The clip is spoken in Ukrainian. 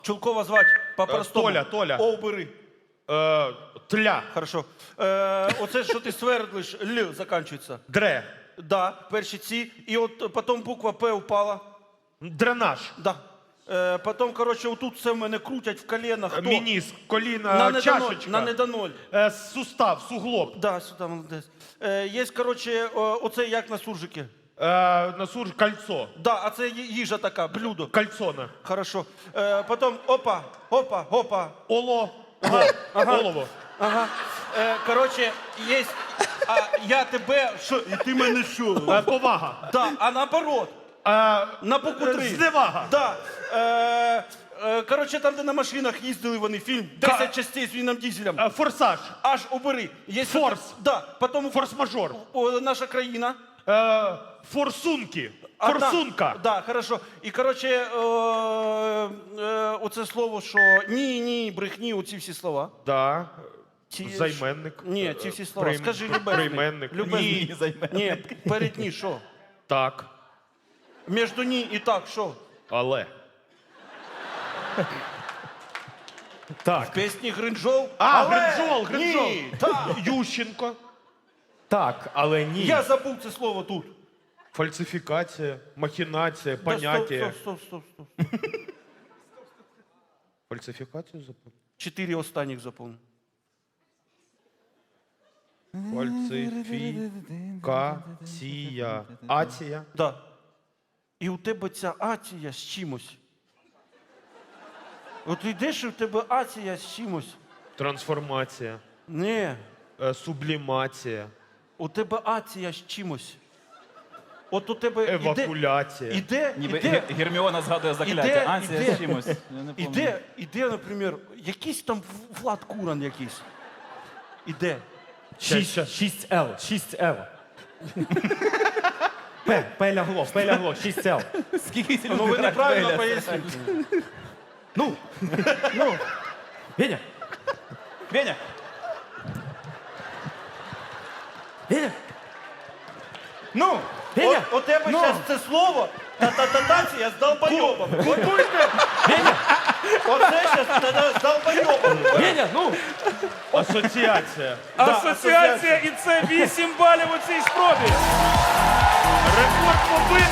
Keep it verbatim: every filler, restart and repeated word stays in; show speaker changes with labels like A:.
A: Чулкова звать по-простому.
B: Толя, Толя.
A: О, бери.
B: Е, тля.
A: Хорошо. Е, оце, що ти свердлиш, Л закінчується.
B: Дре.
A: Да, перші ці. І от потім буква П упала.
B: Дренаж.
A: Да. Е, потім, коротше, отут все в мене крутять в коленах. Хто?
B: Мініск, коліна,
A: На недоноль.
B: чашечка.
A: На недоноль.
B: Е, сустав, суглоб.
A: Да, сюди, молодець. Е, є, коротше, о, оце як на суржики.
B: Е, на сур кольцо.
A: Да, а це ї- їжа така, блюдо.
B: Кальцона.
A: Хорошо. Е, потім опа, опа, опа.
B: Оло.
A: Ага.
B: Олово.
A: Ага. Е, коротше, є. А я тебе. Що? І ти мене що?
B: Е, повага.
A: Да, а наоборот.
B: Е,
A: На букву три.
B: зневага.
A: Да. Е, е, коротше, там, де на машинах їздили вони, фільм десять частей з Віном Дізелем.
B: Е, форсаж.
A: Аж убери. Є
B: Форс.
A: Да. Потім
B: Форс-мажор.
A: о, наша країна.
B: Е, форсунки.
A: Одна-
B: Форсунка.
A: Да, хорошо. І, коротше, е, е, оце слово, що ні, ні, брехні, оці всі слова.
B: Да.
A: Ці-
B: Займенник.
A: Ні, ці всі слова.
B: Прийм-
A: Скажи любезний.
B: Прийменник.
A: Любезний.
B: Ні.
C: займенник.
A: Ні, перед ні, що?
B: Так.
A: Між ні і так, що?
B: Але.
C: Так,
A: Пісні Гринжол.
B: А,
A: Але
B: Гринжол, Гринжол.
A: Ні, так.
B: Ющенко.
C: так, але ні.
A: Я забув це слово тут.
B: Фальсифікація, махінація,
A: Да,
B: поняття.
A: Стоп, стоп, стоп, стоп.
B: Фальсифікацію запомнив?
A: Чотири останніх запомнив.
B: Фальсифікація. Ація.
A: Да. І у тебе ця ація з чимось. От йдеш і у тебе ація з чимось.
B: Трансформація.
A: Ні,
B: Е, Сублімація.
A: у тебе ація з чимось. От у тебе іде,
B: Евакуляція.
A: іде,
D: Ніби
A: іде,
D: Гер- Герміона згадує закляття.
A: Іде,
D: Анція
A: іде.
D: з чимось. Я не пам'ятаю.
A: іде, іде, наприклад, якийсь там Влад Куран якийсь. Іде.
C: Шість, шість Л, шість Л. П, П лягло, П лягло, шість Л.
D: Скільки ці
A: Ну
D: люди
A: ви
D: грають
A: неправильно
D: в Еля?
A: пояснили.
C: Ну, ну, Веня,
D: Веня,
C: Веня,
D: ну!
C: Веня,
A: От, у тебе
C: ну.
A: зараз це слово та-та-та-тація з долбойобом.
B: Купуйте!
C: Веня,
A: Оце зараз з долбойобом.
C: Веня, ну.
B: Асоціація.
E: Асоціація, і це вісім балів у цій спробі.
B: Рекорд побитий!